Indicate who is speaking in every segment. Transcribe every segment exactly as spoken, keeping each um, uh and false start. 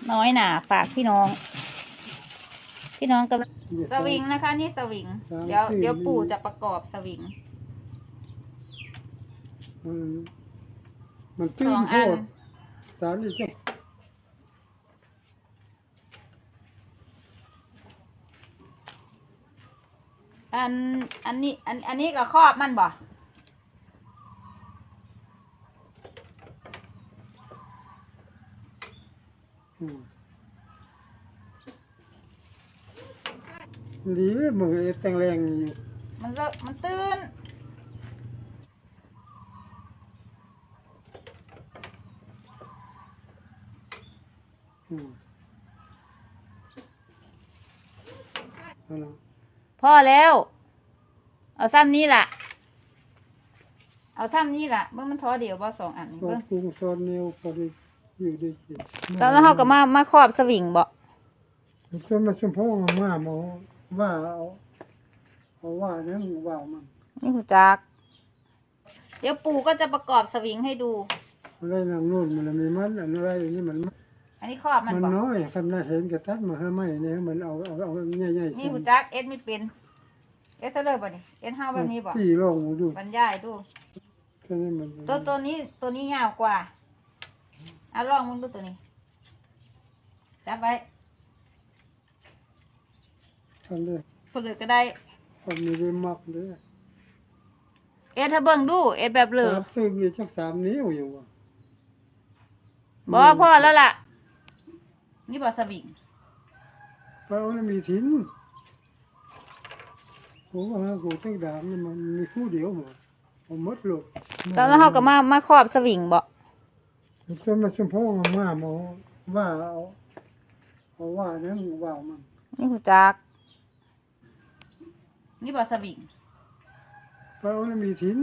Speaker 1: น้อยหนาฝากพี่น้อง พี่น้องกำลังสวิงนะคะ นี่สวิง เดี๋ยวเดี๋ยวปู่จะประกอบสวิง
Speaker 2: มันมันตื้นโคตรสารอีกจ้ะ
Speaker 1: อันอันนี้อันอันนี้ก็ครอบมันบ่
Speaker 2: ดีมึงไอ้แตงแรงอยู่
Speaker 1: มันเลอะมันตื้นพ่อแล้ว เอาซ้ำนี้ล่ะ เอาซ้ำนี้ล่ะเมื่อมันท้อเดียวบ่สองอันนี้
Speaker 2: ก็
Speaker 1: เบิ่ง
Speaker 2: ปรุงซอนเนียวพอดีอยู่ได้กิน
Speaker 1: ตอนนั้นเขาก็มามาครอบสวิงบ่
Speaker 2: จนมาชมพ่อมาหมอว่าเอาเอาว่านั้นว่ามัน
Speaker 1: นี่หูจัก เดี๋ยวปู่ก็จะประกอบสวิงให้ดู
Speaker 2: อะไรนางนู่นมันมีมันอันอะไรนี่มัน
Speaker 1: อันนี้ครอบมัน
Speaker 2: มัน
Speaker 1: บ่
Speaker 2: น้อยคำน่าเห็นกระตัดมาให้ไม่เนี่ยมันเอาเอาเอาใหญ่ๆ
Speaker 1: นี่หูจักเอ็ดไม่เป็นเอ็ดเท่าเลยบ่นี่เอ็ดห้าแบบนี้บ่
Speaker 2: ตีลงดู
Speaker 1: บรรยายดู
Speaker 2: แค่นี้มัน
Speaker 1: ตัวตัวนี้ตัวนี้ยาวกว่าเอาลองมึงดูตัวนี้จับไว้
Speaker 2: ทำเลย
Speaker 1: คนเหลือก็ได้
Speaker 2: ทำมีได้มักเลย
Speaker 1: เอ็ดถ้าเบิ่งดูเอ็ดแบบเหลือ
Speaker 2: ตื้อมีจักสามนิ้วอยู่ว่ะ
Speaker 1: บ่พ่อแล้วล่ะ นี่บ่สวิง
Speaker 2: เพราะว่ามีทิ้นผมว่ากูตั้งด่างนี่มันมีคู่เดียวหมดผมมดหลบ
Speaker 1: ตอนนั้นเขาก็มามาครอบสวิงบ่
Speaker 2: จนมาชมพ่อมาหมอว่าเอาเอาว่านั้นว่ามัน
Speaker 1: นี่หูจัก นี่บ่สวิง
Speaker 2: เพราะว่ามีทิ้น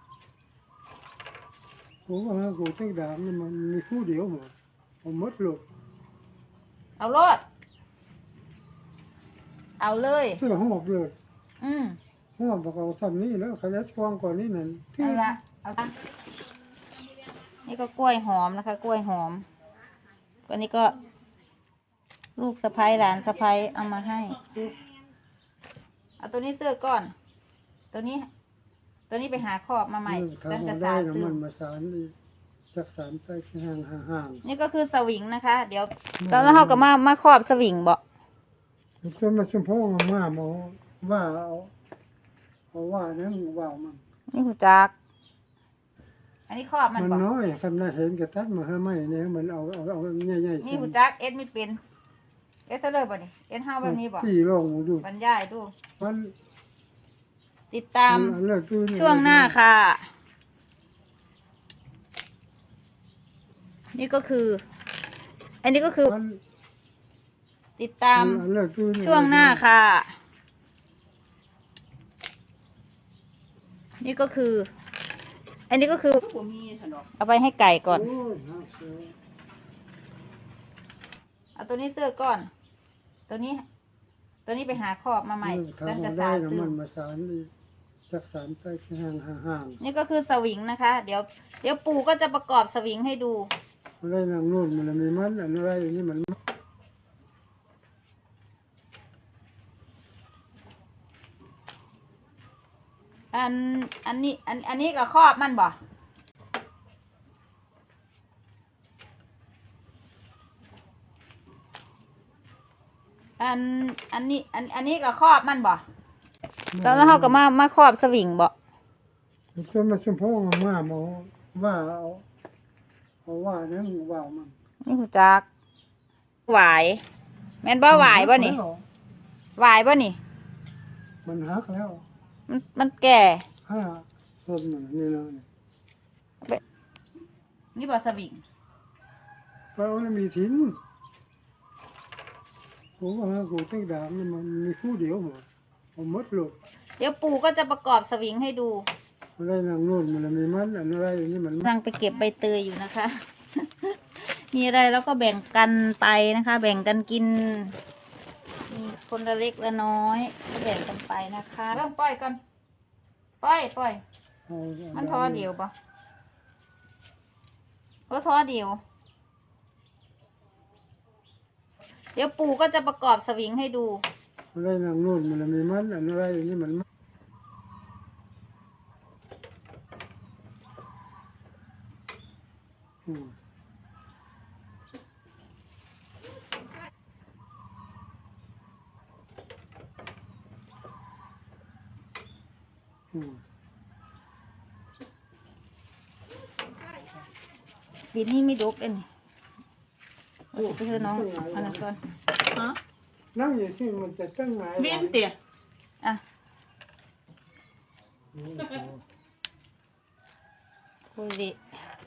Speaker 2: ผมว่ากูตั้งด่างนี่มันมีคู่เดียวหมดผมมดหลบ
Speaker 1: เอาโลดเอาเลย
Speaker 2: เสื้อหอบเลย
Speaker 1: อืม
Speaker 2: หอบบอกเอาซ้ำนี้แล้วขยันฟองก่อนนี่นั่น
Speaker 1: เอาละเอาละนี่ก็กล้วยหอมนะคะ กล้วยหอมก็นี่ก็ ลูกสะใภ้หลานสะใภ้เอามาให้เอาตัวนี้เสื้อก่อน ตัวนี้ ตัวนี้ไปหาครอบมาใหม่ตั้งแต่
Speaker 2: ทำได้
Speaker 1: สาม
Speaker 2: นะ
Speaker 1: ตื่
Speaker 2: มัน นมาสารนี่จักสารไปห่างห่าง
Speaker 1: นี่ก็คือสวิงนะคะ เดี๋ยว ตอนนั้นเขาก็มามาครอบสวิงบ่
Speaker 2: จนมาชมพ่อมาหมอว่าเอาเอาว่านั้นว่ามัน
Speaker 1: นี่หูจัก อันนี้ครอบมัน
Speaker 2: มัน
Speaker 1: บ่
Speaker 2: น้อยคำน่าเห็นกระตัดมาให้ไม่เนี่ยมันเอาเอาเอาใหญ่ๆ
Speaker 1: นี่หูจักเอ็ดไม่เป็นเอ็ดเท่าเลยบ่นี่เอ็ดห้าแบบนี้บ่
Speaker 2: ตีลงดู
Speaker 1: บรรยายดู
Speaker 2: มัน
Speaker 1: ติดตาม
Speaker 2: เลิกตื้อ
Speaker 1: ช่วงหน้าค่ะ นี่ก็คือ อันนี้ก็คือ
Speaker 2: มัน
Speaker 1: ติดตาม
Speaker 2: เลิกตื้อ
Speaker 1: ช่วงหน้าค่ะ นี่ก็คือ อันนี้ก็คือเอาไปให้ไก่ก่อน
Speaker 2: โอ้ย
Speaker 1: เอาตัวนี้เสื้อก่อน ตัวนี้ ตัวนี้ไปหาครอบมาใหม่ตั้งแต่
Speaker 2: ทำ
Speaker 1: สา
Speaker 2: ได้
Speaker 1: ม
Speaker 2: นะ
Speaker 1: ตื่
Speaker 2: มัน นมาสารนี่จักสารไปห่างห่าง
Speaker 1: นี่ก็คือสวิงนะคะ เดี๋ยว เดี๋ยวปู่ก็จะประกอบสวิงให้ดู
Speaker 2: อะไรนางนู่นมันมีมันอันอะไรนี่มัน
Speaker 1: อัน อันนี้ อัน อันนี้ก็ครอบมันบ่ อัน อันนี้ อัน อันนี้ก็ครอบมันบ่ ตอนนั้นเขาก็มามาครอบสวิงบ่
Speaker 2: จนมาชมพ่อมาหมอว่าเอาเอาว่านั้นว่ามัน
Speaker 1: นี่หูจัก หวาย แม่นบ่หวายบ่นี่หวายบ่นี่
Speaker 2: มันหักแล้ว
Speaker 1: มันมันแก่
Speaker 2: ห้าต้นมันนี่เลย
Speaker 1: นี่บ่สวิง
Speaker 2: เพราะว่ามีทิ้นผมว่ากูตั้งด่างนี่มันมีคู่เดียวหมดผมมดหลบ
Speaker 1: เดี๋ยวปู่ก็จะประกอบสวิงให้ดู
Speaker 2: อะไรนางนู่นมันมีมันอันอะไรนี่มัน
Speaker 1: กำลังไปเก็บใบเตยอยู่นะคะ มีอะไรแล้วก็แบ่งกันไปนะคะ แบ่งกันกิน มีคนละเล็กละน้อยก็แบ่งกันไปนะคะเริ่มปล่อยกันปล่อยปล่อย มันท้อเดียวปะก็ท้อเดียวเดี๋ยวปู่ก็จะประกอบสวิงให้ดู
Speaker 2: อะไรนางนู่นมันมีมันอันอะไรนี่มันอืมอืม
Speaker 1: ปีนี้ไม่ดกเอ็นเอาไปเถอะน้องอันนั้นก่อนฮะ
Speaker 2: นั่งอยู่ที่มันจะตั้งไหน
Speaker 3: เว้นเตี๋ย
Speaker 1: อ่ะ
Speaker 2: อืม
Speaker 1: คุยดิ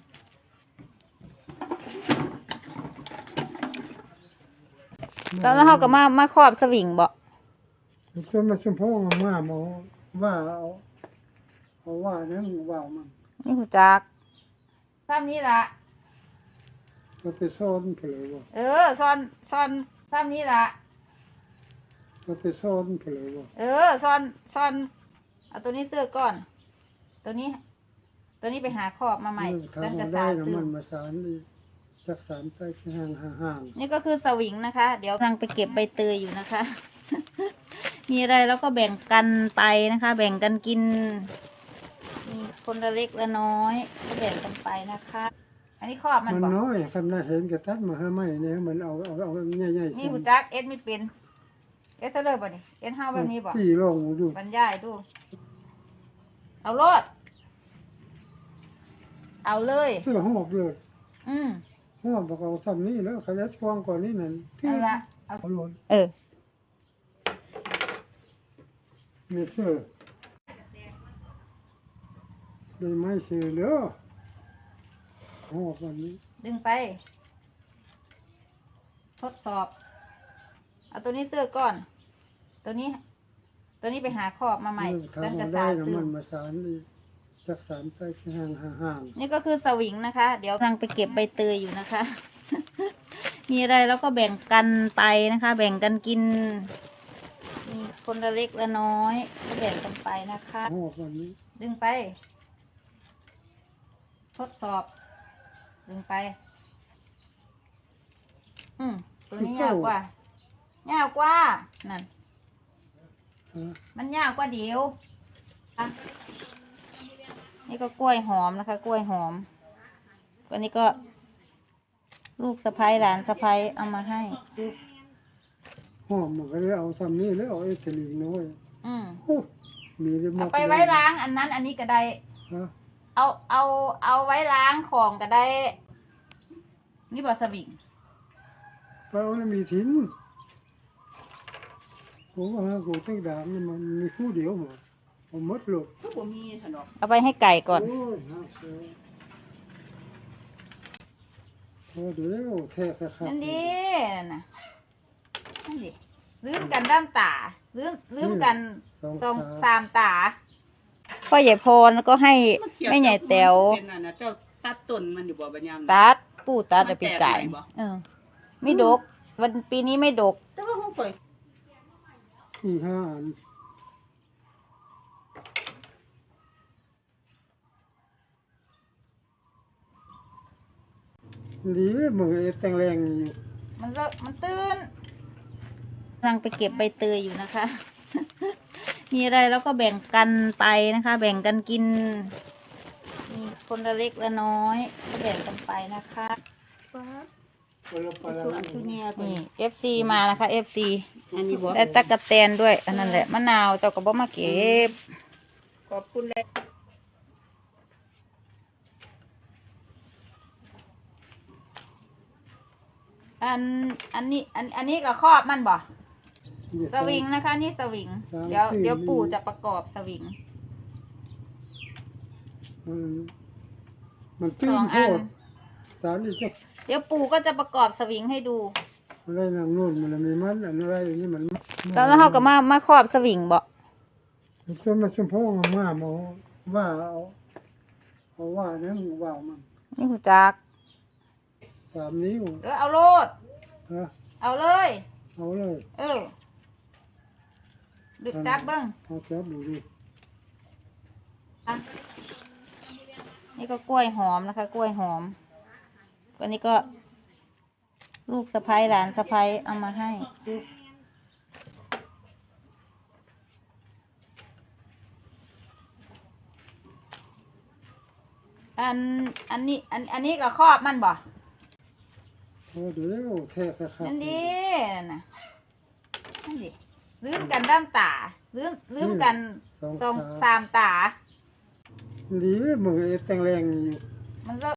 Speaker 1: ตอนนั้นเขาก็มามาครอบสวิงบ่
Speaker 2: จนมาชมพ่อมาหมอว่าเอาเอาว่านั่นว่ามัน
Speaker 1: นี่หูจักซ้ำนี้ละ
Speaker 2: เราไปซ่อนเผลอว่า
Speaker 1: เออซ่อนซ่อนซ้ำนี้ละ
Speaker 2: เราไปซ่อนเผลอว่า
Speaker 1: เออซ่อนซ่อนเอาตัวนี้เสื้อก่อน ตัวนี้ ตัวนี้ไปหาครอบมาใหม่
Speaker 2: ทำ
Speaker 1: ตั้ง
Speaker 2: มา
Speaker 1: แต่
Speaker 2: ได้
Speaker 1: สาม
Speaker 2: นะ
Speaker 1: ตื่
Speaker 2: มัน นมาสารนี่สักสามใต้ห่างห่าง
Speaker 1: นี่ก็คือสวิงนะคะ เดี๋ยวกำลังไปเก็บใบเตยอยู่นะคะ มีอะไรแล้วก็แบ่งกันไปนะคะ แบ่งกันกิน มีคนละเล็กละน้อยก็แบ่งกันไปนะคะ อันนี้ครอบมัน
Speaker 2: มัน
Speaker 1: บอก
Speaker 2: น้อยคันน่าเห็นกระตัดมาให้ไหมเนี่ยมันเอาเอาเอาใหญ่ๆ
Speaker 1: นี่หูจักเอ็ดไม่เป็น เอ็ดเท่าเลยบ่นี่เอ็ดห้าแบบนี้บ่
Speaker 2: พี่ลองดู
Speaker 1: บรรยายดู เอาโลดเอาเลย
Speaker 2: เสื้อหอบเลย
Speaker 1: อืม
Speaker 2: หอบบอกเอาซ้ำนี่แล้วขยัดฟองก่อนนี่นั่นพี่
Speaker 1: นั่นละเอา
Speaker 2: เอาหล่น
Speaker 1: เออ
Speaker 2: มีเสื้อได้ไม้เสือเด้อหอบวันนี้
Speaker 1: ดึงไป ทดสอบ เอาตัวนี้เสื้อก่อน ตัวนี้ ตัวนี้ไปหาครอบมาใหม่
Speaker 2: ทำ
Speaker 1: ตั้งแต่
Speaker 2: มา
Speaker 1: สา
Speaker 2: ได้
Speaker 1: ม
Speaker 2: นะ
Speaker 1: ตื่
Speaker 2: มัน นมาสารนี่สักสามใต้ห่างห่าง
Speaker 1: นี่ก็คือสวิงนะคะ เดี๋ยวกำลังไปเก็บใบเตยอยู่นะคะ มีอะไรแล้วก็แบ่งกันไปนะคะ แบ่งกันกิน มีคนละเล็กละน้อยก็แบ่งกันไปนะคะ
Speaker 2: หอบวันนี้
Speaker 1: ดึงไป ทดสอบ ดึงไป อืมตัวนี้ยาวกว่ายาวกว่า นั่น
Speaker 2: ฮะ
Speaker 1: มันยาวกว่าเดียวอ่ะนี่ก็กล้วยหอมนะคะ กล้วยหอมอันนี้ก็ ลูกสะพ้ายหลานสะพ้ายเอามาให้
Speaker 2: หอบมันก็เลยเอาซ้ำนี่แล้วเอาไอ้สลิงน้อย
Speaker 1: อืม
Speaker 2: โอ้มีได้มา
Speaker 1: เอา
Speaker 2: ก
Speaker 1: ไปไว้ล้างอันนั้น อันนี้ก็ได้
Speaker 2: ฮะ
Speaker 1: เอาเอาเอาไว้ล้างของก็ได้ นี่บอสวิง
Speaker 2: ไปเอาแล้วมีทิ้นผมว่ากูตั้งด่างนี่มันมีคู่เดียวหมดผมมดหลบ
Speaker 3: ก็บ่มีถนอก
Speaker 1: เอาไปให้ไก่ก่อน
Speaker 2: โอ้ยฮะเออโอ้เดี๋ยวแค่แค่ครับ
Speaker 1: นั่นดีนั่นน่ะนั่นดิลืมกันด้ามตาลืมลืมกัน
Speaker 2: สอง
Speaker 1: ตรง
Speaker 2: ขา
Speaker 1: สามตาพ่อใหญ่พรก็ให้แม่ใหญ่แต๋ว
Speaker 3: เป็นอันน่ะเจ้าตัดต้นมันอยู่บ่บัดยามน่ะ
Speaker 1: ตัดปู่ตัดแต่ปีไก่
Speaker 3: มันแตกใหม่บ่
Speaker 1: เออไม่ดก วันปีนี้ไม่ดก
Speaker 3: แต่ว่าเฮาไป
Speaker 2: อีห้าอันดีมึงไอ้แตงแรงอยู่
Speaker 1: มันเลอะมันตื้นกำลังไปเก็บใบเตยอยู่นะคะ มีอะไรแล้วก็แบ่งกันไปนะคะ แบ่งกันกิน มีคนละเล็กละน้อยก็แบ่งกันไปนะคะ
Speaker 2: เวลาไปแล้ว
Speaker 3: คือเนี่ย
Speaker 1: นี่ เอฟ ซี มานะคะ เอฟ ซี
Speaker 3: อันนี้บ่
Speaker 1: ได้ตะกะแตนด้วย อันนั้นแหละมะนาวเจ้าก็บ่มาเก็บ
Speaker 3: ขอบคุณเลย
Speaker 1: อันอันนี้อันอันนี้ก็ครอบมันบ่สวิงนะคะ นี่สวิง เดี๋ยวเดี๋ยวปู่จะประกอบสวิง
Speaker 2: มันมันตื้
Speaker 1: ส
Speaker 2: น
Speaker 1: อง
Speaker 2: โค
Speaker 1: อัน
Speaker 2: ตรสารอีกจะ
Speaker 1: เดี๋ยวปู่ก็จะประกอบสวิงให้ดู
Speaker 2: อะไรนางนู่นมันมีมันอันอะไรนี่มัน
Speaker 1: ตอนนั้นเขาก็มามาครอบสวิงบ่
Speaker 2: จนมาชมพ่อมาหมอว่าเอาเอาว่านั่นว่ามัน
Speaker 1: นี่หูจัก
Speaker 2: สามนิ้ว
Speaker 1: เออเอาโลด
Speaker 2: ฮะ
Speaker 1: เอาเลย
Speaker 2: เอาเลย
Speaker 1: เออดึกจับเบิ้ง
Speaker 2: เอาจับดูดิ
Speaker 1: อ่ะนี่ก็กล้วยหอมนะคะ กล้วยหอมอันนี้ก็ลูกสะพ้ายหลานสะพ้ายเอามาให้ อันอันนี้อันอันนี้ก็ครอบมันบ่
Speaker 2: โอ้เดี๋ยวแท้ครับ
Speaker 1: นั่นดินั่นน่ะนั่นดิลืมกันด้ามตาลืมลืมกัน
Speaker 2: สอง
Speaker 1: ตรง
Speaker 2: ตา
Speaker 1: สามตา
Speaker 2: ดีมือแตงแรงอยู่
Speaker 1: มันก็